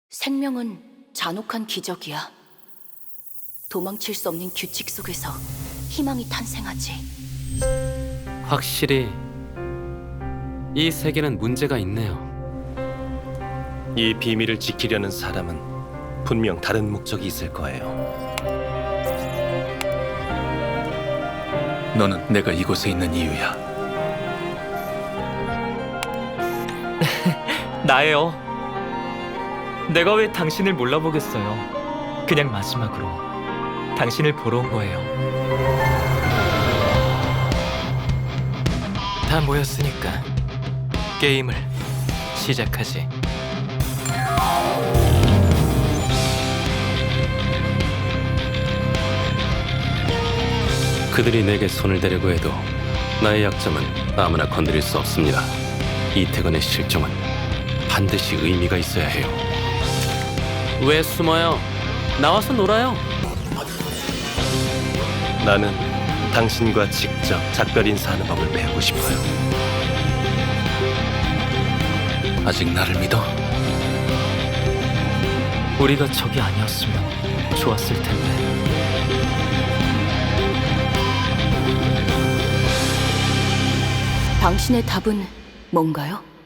생명은 잔혹한 기적이야. 도망칠 수 없는 규칙 속에서 희망이 탄생하지. 확실히 이 세계는 문제가 있네요. 이 비밀을 지키려는 사람은 분명 다른 목적이 있을 거예요. 너는 내가 이곳에 있는 이유야. 나예요. 내가 왜 당신을 몰라보겠어요. 그냥 마지막으로 당신을 보러 온 거예요. 다 모였으니까 게임을 시작하지. 그들이 내게 손을 대려고 해도 나의 약점은 아무나 건드릴 수 없습니다. 이태건의 실종은 반드시 의미가 있어야 해요. 왜 숨어요? 나와서 놀아요. 나는 당신과 직접 작별 인사하는 법을 배우고 싶어요. 아직 나를 믿어? 우리가 적이 아니었으면 좋았을 텐데. 당신의 답은 뭔가요?